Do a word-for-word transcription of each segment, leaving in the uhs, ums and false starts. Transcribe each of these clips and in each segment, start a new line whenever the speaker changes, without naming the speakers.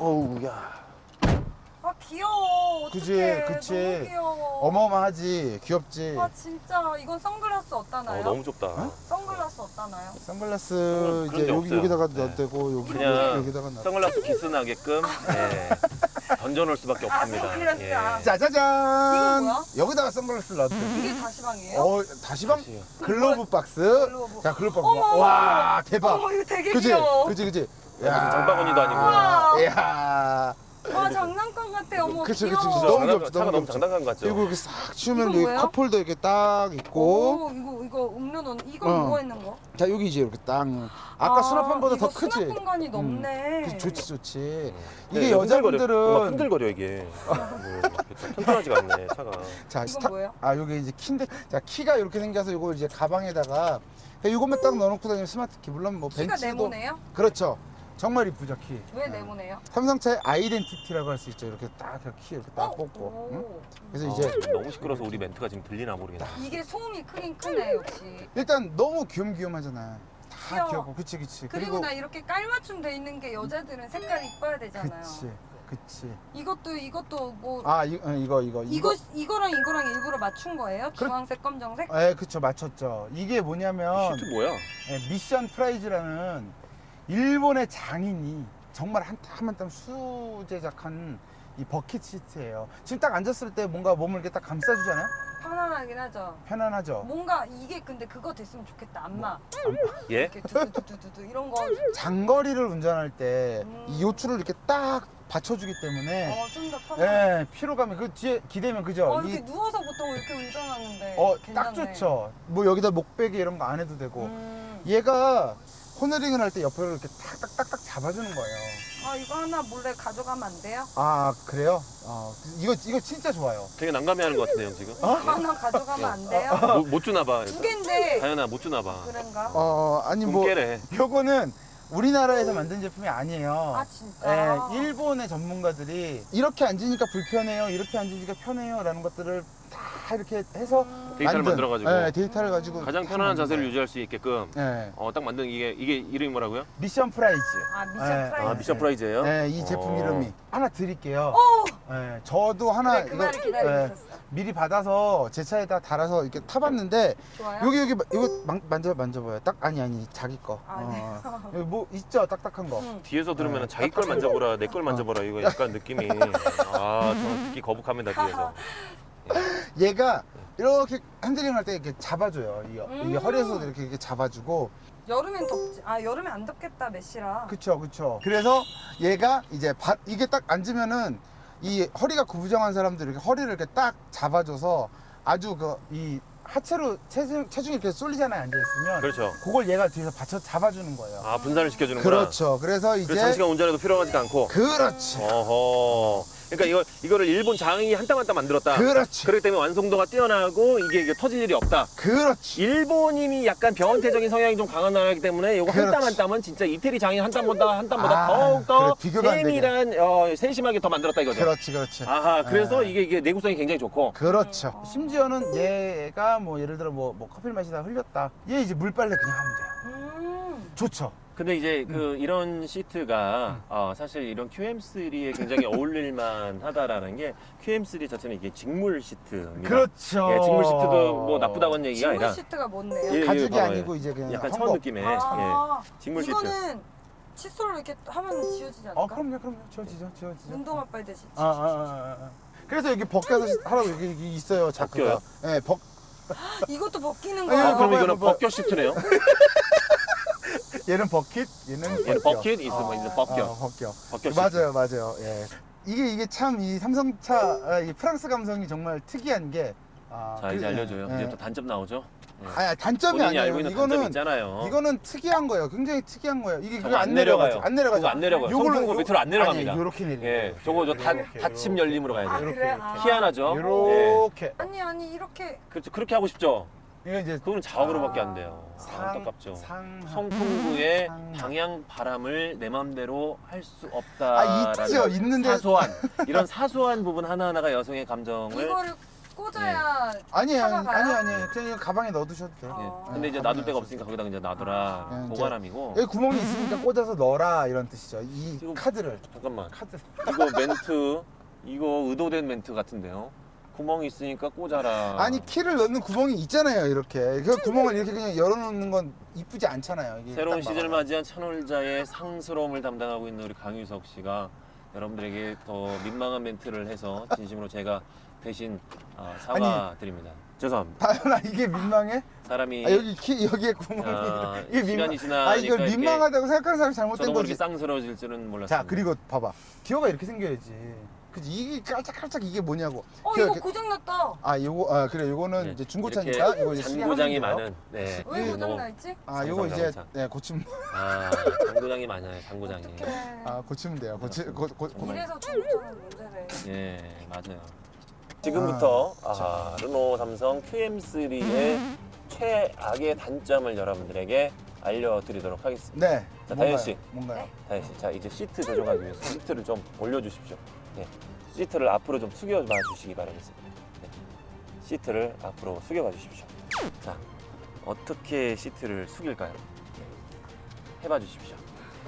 어우, 야.
아 귀여워.
그지,
어떡해.
그치.
너무 귀여워.
어마어마하지, 귀엽지.
아 진짜 이건 선글라스 어디다나요?
어, 너무 좁다.
어?
선글라스 어디다나요?
선글라스
그런
이제
게
여기
없어요.
여기다가
네.
넣어도 되고 여기
그냥
여기다가 놔.
선글라스 키스 나게끔 예, 던져놓을 수밖에
아,
없습니다.
선글라스.
예.
아.
짜자잔.
이거 뭐야?
여기다가 선글라스를 놔도 돼.
이게 다시방이에요?
어, 다시방
다시요.
글로브 박스.
글로브.
자, 글로브 박스.
어머,
와, 대박.
어머 이거 되게
그지,
귀여워.
그지, 그지.
무슨 장바구니도 아니고.
와.
야.
와 장난감 같아. 어머
그치,
귀여워.
그치, 그치.
진짜
너무
장난-
귀엽지,
차가
너무
너무
귀엽지.
장난감 같죠?
그리고 이렇게 싹 치우면
이건
여기
뭐예요?
컵홀더 이렇게 딱 있고.
오, 이거 이거 음료 넣는 이거
어.
뭐가 있는 거?
자, 여기 이제 이렇게 딱. 아까
아,
수납함보다 더
이거
크지.
수납 공간이 넓네.
그치, 좋지, 좋지.
네,
이게
이거 흔들거려.
여자분들은
뭔가 흔들거려 이게. 뭐, 이렇게 튼튼하지가 않네 차가.
자,
이건
스타...
뭐예요?
아, 여기 이제 키인데, 자, 키가 이렇게 생겨서 이거 이제 가방에다가 그냥 이것만 딱 넣어놓고 다니면 스마트 키. 물론 뭐
키가
벤츠도
네모네요?
그렇죠. 정말 이쁘죠, 키.
왜 네모네요?
삼성차의 아이덴티티라고 할 수 있죠. 이렇게 딱 키 이렇게 딱
어?
뽑고.
오.
응? 그래서
어,
이제
너무 시끄러서 우리 멘트가 지금 들리나 모르겠네.
이게 소음이 크긴 크네 역시.
일단 너무 귀염귀염하잖아요. 다
귀여워.
귀엽고, 그치, 그치.
그리고, 나 이렇게 깔맞춤 돼 있는 게 여자들은 색깔이 이뻐야 되잖아요.
그치, 그치.
이것도 이것도 뭐
아, 이, 어, 이거, 이거,
이거 이거랑 이거랑 일부러 맞춘 거예요?
그렇-
주황색, 검정색?
예, 그쵸, 맞췄죠. 이게 뭐냐면
시트 뭐야?
예, 미션 프라이즈라는 일본의 장인이 정말 한 땀 한 땀 수제작한 이 버킷 시트예요. 지금 딱 앉았을 때 뭔가 몸을 이렇게 딱 감싸주잖아요.
편안하긴 하죠.
편안하죠.
뭔가 이게 근데 그거 됐으면 좋겠다. 안마.
예?
이렇게 두두두두두 이런 거.
장거리를 운전할 때
음.
이 요추를 이렇게 딱 받쳐주기 때문에
어, 좀 더 편안.
예, 피로감이 그 뒤에 기대면 그죠?
어, 이렇게
이-
누워서 보통 이렇게 운전하는데.
어,
괜찮네.
딱 좋죠. 뭐 여기다 목베개 이런 거 안 해도 되고.
음.
얘가 코너링을 할 때 옆으로 이렇게 탁탁탁탁 잡아주는 거예요.
아 이거 하나 몰래 가져가면 안 돼요?
아, 그래요? 어, 이거 이거 진짜 좋아요.
되게 난감해하는 것 같은데요 지금?
하나 가져가면 안 돼요?
못, 못 주나 봐.
두 개인데.
다현아 못 주나 봐.
그런가?
어, 아니 뭐
꿈깨래.
요거는 우리나라에서 만든 제품이 아니에요.
아 진짜?
예, 일본의 전문가들이 이렇게 앉으니까 불편해요, 이렇게 앉으니까 편해요라는 것들을 다 이렇게 해서
음.
데이터를
만든,
만들어가지고
예, 데이터를 가지고
가장
다
편안한
만든
자세를
거예요.
유지할 수 있게끔
예,
어, 딱 만든 이게 이게 이름이 뭐라고요?
미션 프라이즈.
아 미션
예,
프라이즈.
아 미션 프라이즈예요?
네, 이 제품
어.
이름이 하나 드릴게요.
오!
예, 저도 하나
그래 그 말을 기다리고
예,
있었어.
미리 받아서 제 차에다 달아서 이렇게 타봤는데
좋아요?
여기 여기 마- 이거 만, 만져 만져봐요. 딱 아니 아니 자기 거.
아, 네.
어. 여기 뭐 있죠, 딱딱한 거.
응.
뒤에서 들으면
네.
자기 걸 만져보라 내 걸 만져보라 이거 약간 느낌이 아 저는 듣기 거북합니다 뒤에서.
얘가 이렇게 핸들링 할 때 이렇게 잡아줘요. 이게, 이게
음.
허리에서도 이렇게, 이렇게 잡아주고.
여름엔 덥지. 아 여름엔 안 덥겠다 메시라.
그쵸, 그쵸. 그래서 얘가 이제 바, 이게 딱 앉으면은 이 허리가 구부정한 사람들 이렇게 허리를 이렇게 딱 잡아줘서 아주 그 이 하체로 체중, 체중이 이렇게 쏠리잖아요, 앉아있으면.
그렇죠.
그걸 얘가 뒤에서 받쳐 잡아주는 거예요.
아 분산을 시켜주는구나.
그렇죠. 그래서 이제.
그래서 장시간 운전해도 필요하지가 않고.
그렇지.
어허. 그러니까 이거 이거를 일본 장인이 한 땀 한 땀 만들었다.
그렇지.
그렇기 때문에 완성도가 뛰어나고 이게, 이게 터질 일이 없다.
그렇지.
일본인이 약간 병원태적인 성향이 좀 강한 나라이기 때문에 이거 한 땀
그렇지.
한 땀은 진짜 이태리 장인 한 땀보다 한 땀보다
아,
더욱더
그래, 비교가 안 되게.
세밀한 어, 세심하게 더 만들었다 이거죠.
그렇지, 그렇지.
아하 그래서
네.
이게 이게 내구성이 굉장히 좋고.
그렇죠. 심지어는 얘가 뭐 예를 들어 뭐, 뭐 커피를 마시다 흘렸다. 얘 이제 물빨래 그냥 하면 돼요.
음.
좋죠.
근데 이제 그
음.
이런 시트가 어, 사실 이런 큐엠쓰리에 굉장히 어울릴만 하다라는 게 큐엠쓰리 자체는 이게 직물 시트입니다.
그렇죠.
예, 직물 시트도 뭐 나쁘다고 하는 얘기가
직물
아니라
시트가 뭔데요?
예,
가죽이
봐봐요.
아니고 이제 그냥
약간
헝겊.
차원 느낌의
아,
예, 직물 시트.
이거는 칫솔로 이렇게 하면 지워지지 않을까?
어, 그럼요, 그럼요. 지워지죠, 지워지죠.
운동화 빨듯이.
아, 아, 아, 아. 그래서 여기 벗겨서 하라고 여기, 여기 있어요, 자크가.
벗겨요?
예, 벗.
이것도 벗기는
아니,
거야.
아, 그럼
봐봐요,
이거는
봐봐요.
벗겨 시트네요.
얘는 버킷, 얘는
얘는
벗겨.
버킷 있어, 뭐 이제
아.
벗겨.
어, 벗겨.
벗겨 시트.
맞아요, 맞아요. 예. 이게 이게 참 이 삼성차 아, 이 프랑스 감성이 정말 특이한 게. 아,
자
그-
이제
예,
알려줘요.
예.
이제 또 단점 나오죠. 예.
아니, 단점이
본인이
아니에요.
알고 있는 단점이
이거는
있잖아요.
이거는 특이한 거예요. 굉장히 특이한 거예요. 이게
저거
그거
안
안 내려가죠.
내려가요.
안 내려가죠.
그거 안 내려가요.
요걸로
송풍구
요-
밑으로 안 내려갑니다.
아니, 요렇게 내려.
예, 저거 저 닫, 닫힘 열림으로 가야
아,
돼요.
그래? 아.
희한하죠. 예.
요렇게.
아니 아니 이렇게
그렇죠. 그렇게 하고 싶죠.
이거 이제
그거는 자석으로밖에 안 돼요. 아,
상-
안타깝죠.
상
송풍구의
상-
방향 바람을 내 맘대로 할 수 없다.
아, 있죠. 있는데
사소한 이런 사소한 부분 하나 하나가 여성의 감정을
이거를 꽂아야
아니에요,
차가
아니
가요?
아니에요. 그냥 이거 가방에 넣어두셔도 돼요.
예.
어.
근데 이제
가방에
놔둘 데가
넣어주세요.
없으니까 거기다 이제 놔둬라.
예, 이제
보관함이고.
여기 구멍이 있으니까 꽂아서 넣어라 이런 뜻이죠. 이
지금-
카드를
잠깐만.
카드.
이거 멘트 이거 의도된 멘트 같은데요. 구멍이 있으니까 꽂아라.
아니 키를 넣는 구멍이 있잖아요. 이렇게 그 구멍을 이렇게 그냥 열어놓는 건 이쁘지 않잖아요. 이게
새로운
딱
시즌을
막아요.
맞이한 찬홀자의 상스러움을 담당하고 있는 우리 강유석 씨가 여러분들에게 더 민망한 멘트를 해서 진심으로 제가 대신 어, 사과드립니다. 죄송합니다.
다현아 이게 민망해?
사람이
아, 여기 키 여기에 구멍이
아,
이게 민망.
시간이 지나니까
아 이걸
이렇게
민망하다고 생각하는 사람이 잘못된
저도 모르게
거지.
쌍스러워질 줄은 몰랐어요.
자 그리고 봐봐 기어가 이렇게 생겨야지. 그지 이게 깔짝깔짝 이게 뭐냐고.
어
기어
이거
이렇게-
고장났다.
아 요거 아 그래 요거는
네,
이제
이렇게
중고차니까 이거 이제
잔고장이
시계하면 돼요.
많은. 네.
왜
이-
고장나 있지?
아 요거 이제
상상상상.
네, 고치면
아, 잔고장이 많아요. 잔고장이.
어떡해.
아 고치면 돼요. 고치 고, 고, 고,
정말.
이래서 중고차는 문제네.
예, 맞아요. 지금부터 아, 르노 삼성 큐엠쓰리의 최악의 단점을 여러분들에게 알려드리도록 하겠습니다.
네.
자,
뭔가요?
다현 씨.
뭔가요?
다현 씨, 자 이제 시트 조정하기 위해서 시트를 좀 올려주십시오. 네, 시트를 앞으로 좀 숙여봐 주시기 바라겠습니다. 네. 시트를 앞으로 숙여봐 주십시오. 자, 어떻게 시트를 숙일까요? 네. 해봐 주십시오.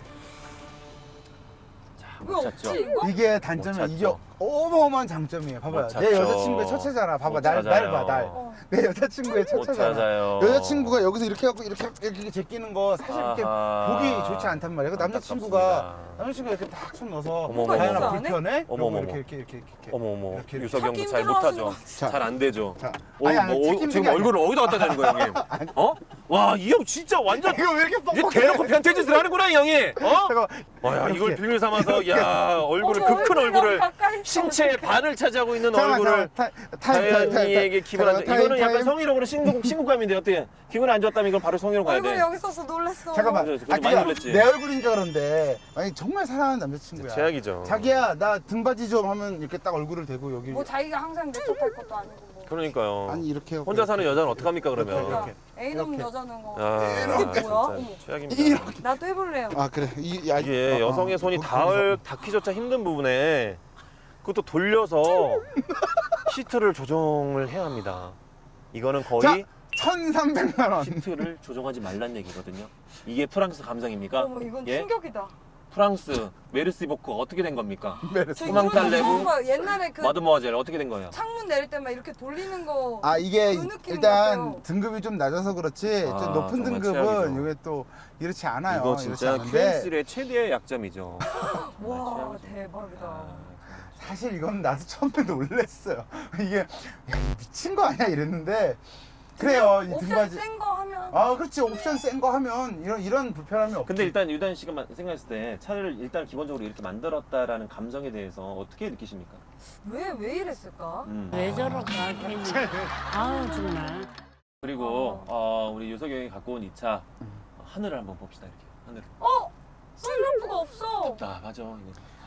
자,
왜
못
없지
찾죠?
이거?
이게 단점이
못
이게
찾죠.
어마어마한 장점이에요. 봐봐요.
못
내
찾죠.
여자친구의 첫째잖아. 봐봐
못
날 날
찾아요.
봐 날.
어.
내 여자친구의
못
첫째잖아.
찾아요.
여자친구가 여기서 이렇게 하고 이렇게 이렇게 제끼는 거 사실 이렇게
아하.
보기 좋지 않단 말이야. 그 남자친구가
안타깝습니다.
남자친구가 이렇게 딱 손 넣어서
어머, 어머,
다현아
어머.
불편해?
어머,
이러고
어머,
이렇게
어머.
이렇게 이렇게 이렇게.
어머 어머
이렇게,
유석 형도
찾기
잘
힘들어하시는
못하죠.
것
같아.
잘 안 되죠.
자,
어,
아니, 아니,
뭐,
책임지는
지금
게 아니라.
얼굴을 어디다 갖다 대는 거야 형님? 어? 와 이 형 진짜 완전
이거 왜 이렇게
이제
뻑뻑해?
대놓고 변태짓을 하는구나 이 형이. 어?
잠깐만.
와야 이걸
이렇게.
빌밀 삼아서 야 얼굴을
어머,
그 큰
얼굴이
얼굴을
너무 가까이 있어.
신체의 반을 차지하고 있는
잠깐만,
얼굴을
잠깐만. 타- 타임, 타임, 타임,
다현이에게
타임.
기분 안 좋.
타임,
이거는 약간
타임.
성희롱으로 신고 신고감인데 어떻게 기분 안 좋았다면 이건 바로 성희롱 가야
얼굴이
돼.
여기 있어서 놀랬어.
잠깐만.
그래, 그래,
아,
많이
그게
놀랬지.
내 얼굴이니까 그런데 아니 정말 사랑하는 남자친구야.
제약이죠.
자기야 나 등받이 좀 하면 이렇게 딱 얼굴을 대고 여기
뭐 자기가 항상 내 탓할 것도 아니고 뭐.
그러니까요.
아니 이렇게
혼자 사는 여자는 어떡 합니까 그러면?
이렇게.
애놈
이렇게.
여자는 거.
아,
이게 뭐야?
진짜
어머.
최악입니다.
이렇게.
나도 해볼래요.
아 그래 이 야,
이게
어, 어.
여성의 손이
거기-
닿을 닿기조차 힘든 부분에 그것도 돌려서 시트를 조정을 해야 합니다. 이거는 거의
자 천삼백만 원.
시트를 조정하지 말란 얘기거든요. 이게 프랑스 감성입니까?
어머 이건
예?
충격이다.
프랑스 메르시보크 어떻게 된 겁니까?
저
소망
이런 거
달래고
처음 봐요. 옛날에 그
마드모아젤 어떻게 된 거예요?
창문 내릴 때만 이렇게 돌리는 거.
아 이게
그 느낌
일단
같아요.
등급이 좀 낮아서 그렇지
아,
좀 높은
정말
등급은
최악이죠.
이게 또 이렇지 않아요.
이거
이렇지
진짜
않은데
큐엠쓰리의 최대의 약점이죠.
와
정말
대박이다.
아,
사실 이건 나도 처음에 놀랬어요. 이게 야, 미친 거 아니야 이랬는데 그래요 이
옵션
등받이.
센 거 하면.
아 그렇지 옵션 센 거 하면 이런 이런 불편함이 없지.
근데 일단 유단 씨가 마- 생각했을 때 차를 일단 기본적으로 이렇게 만들었다라는 감정에 대해서 어떻게 느끼십니까?
왜 왜 이랬을까?
음.
왜 저럴까 괜히 아우 정말
그리고 어, 우리 유석이 형이 갖고 온 이 차 하늘을 한번 봅시다 이렇게 하늘.
어 썬루프가 없어.
아 맞아 이거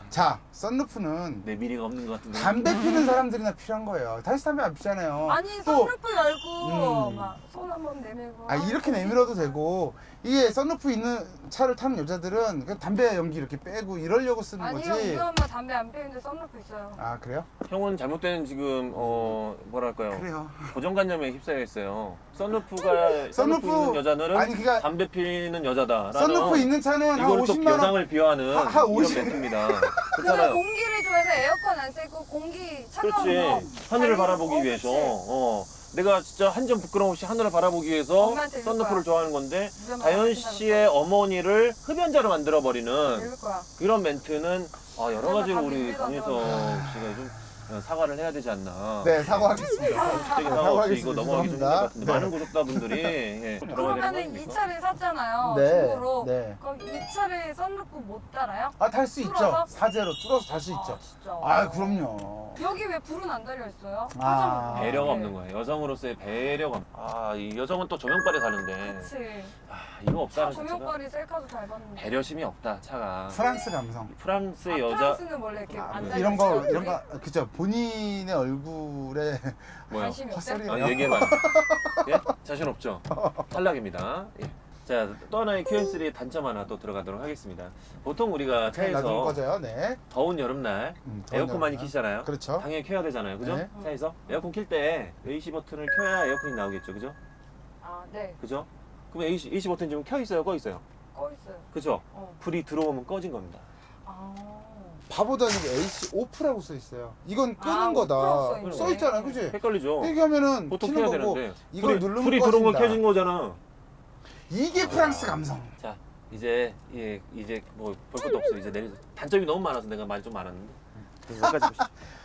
자 썬루프는
내 미래가 없는 것 같은데.
담배 피는 사람들이나 필요한 거예요. 다시 담배 안 피잖아요.
아니
또
썬루프 열고
음.
막 손 한번 내밀고.
아 이렇게 내밀어도 되고 이게 썬루프 있는 차를 타는 여자들은 그냥 담배 연기 이렇게 빼고 이러려고 쓰는
아니요
거지.
우리 엄마 담배 안 피우는데 썬루프 있어요.
아 그래요?
형은 잘못된 지금 어 뭐랄까요
그래요.
고정관념에 휩싸여 있어요. 썬루프가 썬루프
썬루프-
있는 여자들은
아니, 그러니까
담배 피는 여자다.
썬루프 있는 차는 한
이거를 또
오십만 원.
여장을 비하하는
한- 한
이런
오십
멘트입니다.
그래
그렇잖아요.
공기를 좋아해서 에어컨 안 쐬고 공기 차가운
그렇지.
거.
하늘을
달리는
바라보기
거,
위해서.
그치?
어. 내가 진짜 한 점 부끄럼 없이 하늘을 바라보기 위해서
엄마한테 이럴
썬루프를
거야.
좋아하는 건데
우리 엄마
다현
엄마한테
씨의 어머니를 흡연자로 만들어 버리는
이럴 거야.
이런 멘트는 아, 여러 가지로
정말
우리
답이
강유석 씨가 좀 사과를 해야 되지 않나.
네 사과하겠습니다.
되게 사과 없이 이거
사과하겠습니다.
넘어가기 좀 힘들 것
죄송합니다.
같은데
네.
많은 구독자분들이 예, 들어가게 되는 거
그러면은 이
아닙니까?
차를 샀잖아요.
네,
중고로.
네.
그럼 이 차를 썬루프 못 달아요?
아 탈 수 있죠.
뚫어서?
사제로 뚫어서 탈 수 있죠.
아, 진짜.
아 그럼요.
여기 왜 불은 안 달려 있어요?
아.
화장-
배려가
네.
없는 거예요. 여성으로서의 배려가. 없- 아, 이 여성은 또 조명빨에 사는데.
그치.
아, 이거
차
없다는 자체가
조명빨이 셀카도 잘 봤는데.
배려심이 없다, 차가.
프랑스 감성.
프랑스의
아,
여자
프랑스는 원래 이렇게
아,
안 달려
이런 거
있잖아요.
이런 거 그죠. 본인의 얼굴에
뭐야?
관심이 없대?
헛소리.
아, 얘기해봐요. 예? 자신 없죠? 탈락입니다. 예. 자, 또 하나의 큐엠쓰리의 단점 하나 또 들어가도록 하겠습니다. 보통 우리가
네, 나중에
차에서
꺼져요. 네.
더운 여름날
음, 더운
에어컨 많이
여름날.
키시잖아요.
그렇죠.
당연히 켜야 되잖아요. 그죠?
네.
차에서 에어컨 킬 때 에이씨 버튼을 켜야 에어컨이 나오겠죠. 그죠?
아, 네.
그죠? 그럼 에이씨, 에이씨 버튼 지금 켜 있어요, 꺼 있어요?
꺼 있어요.
그죠?
어.
불이 들어오면 꺼진 겁니다.
아.
바보다는 게 에이씨 오프라고 써 있어요. 이건 끄는
아,
거다.
오프라고 써 있네.
써 있잖아, 그지?
헷갈리죠?
얘기하면은
보통
켜는
켜야
거고
되는데
이걸
불이,
누르면
불이 들어온 건
꺼진다.
켜진 거잖아.
이게 프랑스 감성.
자, 이제 예, 이제 뭐 볼 것도 없어. 이제 내리 단점이 너무 많아서 내가 말이 좀 많았는데. 그래서 여기까지 보시죠.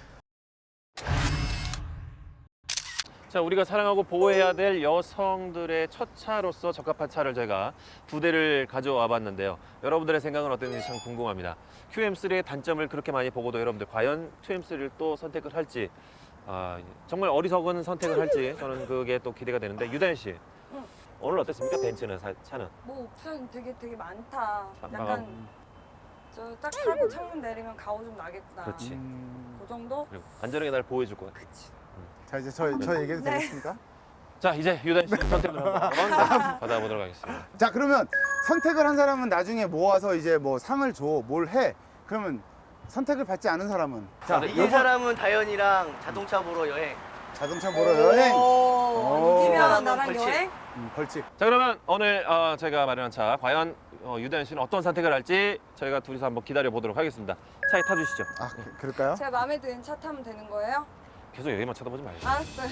자, 우리가 사랑하고 보호해야 될 여성들의 첫 차로서 적합한 차를 제가 두 대를 가져와 봤는데요. 여러분들의 생각은 어땠는지 참 궁금합니다. 큐엠쓰리의 단점을 그렇게 많이 보고도 여러분들 과연 큐엠쓰리를 또 선택을 할지 아, 정말 어리석은 선택을 할지 저는 그게 또 기대가 되는데 유다현 씨
응.
오늘 어땠습니까? 벤츠는 사- 차는?
뭐 옵션 되게 되게 많다.
자,
약간 저 딱 타고 창문 내리면 가오 좀 나겠구나.
그렇지.
음...
그 정도?
그리고 안전하게 날 보호해줄 것 같아.
그치.
자 이제 저, 저 얘기해도
네.
되겠습니까?
자, 이제 유다현 씨 선택을 한번 받아보도록 하겠습니다.
자 그러면 선택을 한 사람은 나중에 모아서 이제 뭐 상을 줘, 뭘 해. 그러면 선택을 받지 않은 사람은 자
네,
이긴 사람은 다현이랑 자동차 보러 여행.
자동차 보러 여행. 오.
오, 이기면
한번
나랑
벌칙.
여행?
음, 벌칙.
자, 그러면 오늘 어, 제가 마련한 차 과연 어, 유다현 씨는 어떤 선택을 할지 저희가 둘이서 한번 기다려 보도록 하겠습니다. 차에 타주시죠.
아 그, 그럴까요?
제가 마음에 드는 차 타면 되는 거예요?
계속 여기만 쳐다보지 말고.
알았어요.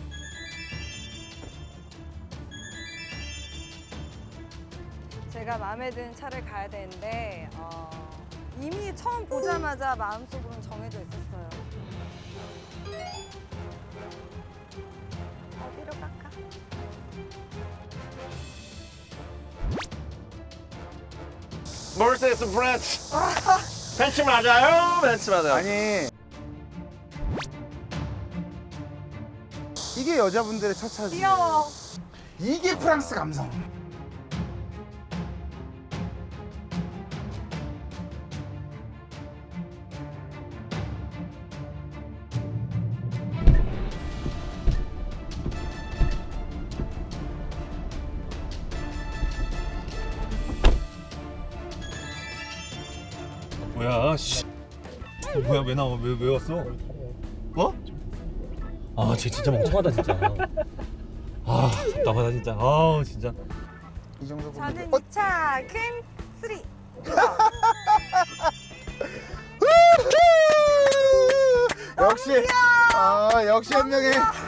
제가 마음에 드는 차를 가야 되는데 어, 이미 처음 보자마자 마음속으로는 정해져 있었어요. 어디로 갈까?
머세스 브랜드. 벤츠 맞아요? 벤츠 맞아요.
아니 이게 여자분들의 첫 차지.
귀여워.
이게 프랑스 감성.
뭐야, 씨. 어, 뭐야, 왜 나와? 왜, 왜 왔어? 어? 아, 쟤 진짜 멍청하다, 진짜. 아, 답답하다, 진짜. 아, 진짜.
이 정도 보면
저는
어,
이 차 퀸 쓰리.
역시 아 역시 한 명의